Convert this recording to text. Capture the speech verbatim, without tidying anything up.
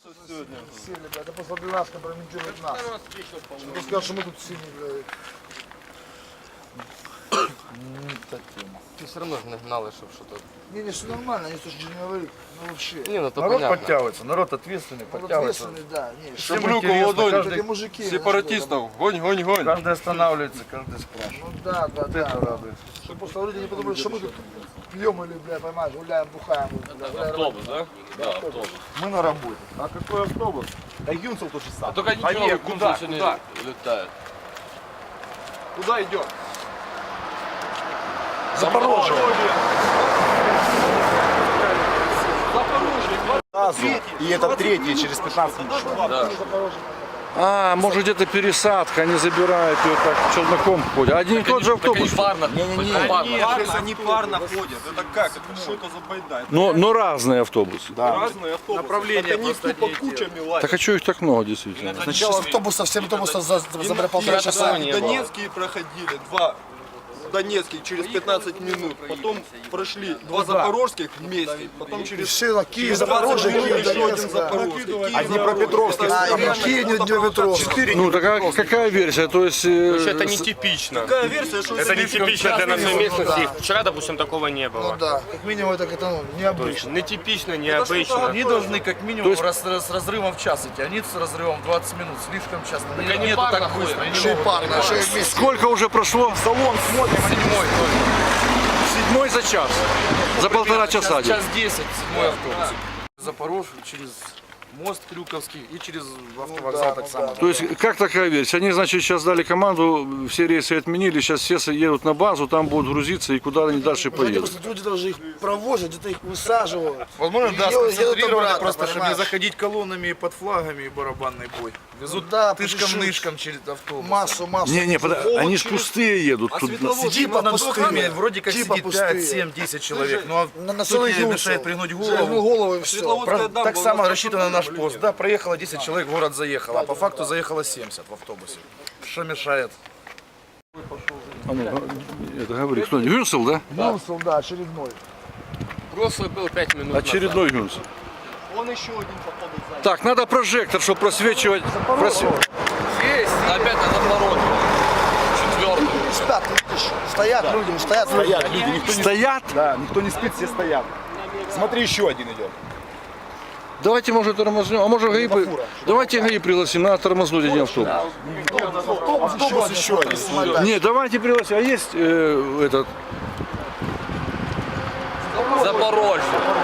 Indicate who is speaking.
Speaker 1: Сели, блядь, это после нас компрометирует нас. Чтобы сказать, что мы тут сильные, блядь.
Speaker 2: Ти все одно ж не гнали, щоб що тут.
Speaker 1: Не, не, все нормально, они слушай, не говорит, ну вообще.
Speaker 2: Ні, ну то
Speaker 3: Народ
Speaker 2: понятно.
Speaker 3: подтягивается, народ ответственный,
Speaker 1: Вот
Speaker 3: подтягивается.
Speaker 1: ответственный, да, не,
Speaker 3: Всем
Speaker 1: что-
Speaker 3: интересно,
Speaker 4: ладонь,
Speaker 3: каждый,
Speaker 1: Эти мужики.
Speaker 4: Сепаратистов, гонь, гонь, гонь.
Speaker 3: каждый останавливается, каждый спрашивает.
Speaker 1: Ну да, да,
Speaker 3: Вот
Speaker 1: да.
Speaker 3: это радует.
Speaker 1: Чтобы просто люди не подумали, что мы тут пьем или, бля, понимаешь, гуляем, бухаем. Бля, гуляем.
Speaker 4: Автобус, да? Да, автобус.
Speaker 3: Мы на работе. А какой автобус? Да Юнцел тот же
Speaker 4: А
Speaker 3: самый.
Speaker 4: только ничего,
Speaker 3: Поехали,
Speaker 4: куда,
Speaker 3: куда,
Speaker 4: сегодня
Speaker 3: куда?
Speaker 4: летает.
Speaker 3: Куда идем?
Speaker 4: Запорожье.
Speaker 5: И это третий через пятнадцать минут.
Speaker 4: Да.
Speaker 6: А, может где-то пересадка, они забирают ее так челноком ходят. Один и тот же автобус.
Speaker 4: Парно. Не-не-не.
Speaker 5: Нет, они парно ходят. Это как? Это что это за байда?
Speaker 6: Но, но разные автобусы.
Speaker 5: Разные автобусы. Направления они тупо кучами лазят.
Speaker 6: Так а что их так много действительно?
Speaker 1: Значит, с автобусов, семь автобусов за, за, за бля, полтора часа.
Speaker 5: Донецкие проходили, два Донецких через пятнадцать минут, потом прошли два запорожских вместе, потом через
Speaker 1: Все, Киев,
Speaker 5: через
Speaker 1: Запорожье,
Speaker 5: двадцать минут
Speaker 1: Киев,
Speaker 5: еще один
Speaker 1: Донецк, да.
Speaker 5: запорожский.
Speaker 1: А Днепропетровский,
Speaker 5: А,
Speaker 1: а, Киев, Днепропетровский.
Speaker 6: Ну, такая какая версия? То есть... э,
Speaker 4: Это нетипично.
Speaker 5: Такая версия, что
Speaker 7: Это нетипично для нашей местности. Вчера, допустим, такого не
Speaker 1: Ну
Speaker 7: было.
Speaker 1: да, как минимум это как-то ну, необычно.
Speaker 7: Нетипично, необычно.
Speaker 3: Они должны как минимум раз- раз- с разрывом в час идти, они с разрывом в двадцать минут, слишком часто.
Speaker 4: они
Speaker 3: Нету
Speaker 4: парно
Speaker 3: так быстро.
Speaker 4: ходят.
Speaker 3: не
Speaker 1: Еще и
Speaker 3: могут.
Speaker 1: парно, еще и вместе.
Speaker 6: Сколько уже прошло?
Speaker 3: Салон смотрим,
Speaker 4: Седьмой.
Speaker 6: Седьмой за час. За полтора часа.
Speaker 3: час десять, седьмой автобус. Запорожье через мост Крюковский и через автовокзал
Speaker 1: да,
Speaker 3: так
Speaker 1: ну
Speaker 3: само.
Speaker 1: да.
Speaker 6: То есть, как такая версия? Они, значит, сейчас дали команду, все рейсы отменили, сейчас все едут на базу, там будут грузиться, и куда они дальше
Speaker 1: Они
Speaker 6: поедут.
Speaker 1: просто люди даже их провозят, где-то их высаживают.
Speaker 3: Возможно, да,
Speaker 1: И едут
Speaker 3: сконцентрированы
Speaker 1: обратно,
Speaker 3: просто, чтобы не
Speaker 1: понимаешь?
Speaker 3: заходить колоннами и под флагами и барабанный бой. Везут
Speaker 1: Ну да,
Speaker 3: тышком-нышком через автобус.
Speaker 1: Массу, массу.
Speaker 6: Не-не, подо- они ж пустые едут. Тут...
Speaker 3: Типа над
Speaker 1: пустые.
Speaker 3: окнами вроде как
Speaker 1: Типа
Speaker 3: сидит
Speaker 1: пустые.
Speaker 3: пять, семь, десять человек. Ну а
Speaker 1: На, на
Speaker 3: кто
Speaker 1: целый
Speaker 3: тебе
Speaker 1: юнцел.
Speaker 3: мешает пригнуть
Speaker 1: Пригнул
Speaker 3: голову?
Speaker 1: голову и все.
Speaker 3: Про- Так само рассчитано на наш пост. Да, проехало десять человек, в город заехало, а по факту заехало семьдесят в автобусе. Что мешает?
Speaker 6: А ну, а, это говори, кто? Гюнсел, да?
Speaker 1: Юнцел, да, очередной.
Speaker 4: Прошлый был пять минут
Speaker 6: Очередной Гюнсел.
Speaker 5: Он еще один автобус занял.
Speaker 6: Так, надо прожектор, чтобы просвечивать. просве-
Speaker 4: назад. Есть. Опять на Запорожье. Четвертый.
Speaker 1: Спят, видишь, стоят люди, стоят люди.
Speaker 5: Стоят люди, никто не
Speaker 6: Стоят?
Speaker 5: Да, никто не спит, все стоят. Смотри, еще один идет.
Speaker 6: Давайте, может, тормознем. А может, ГАИ... при- Давайте ГАИ пригласим, надо тормознуть один автобус.
Speaker 5: Автобус еще один.
Speaker 6: Не, давайте пригласим. А есть э, этот...
Speaker 4: Запорожье.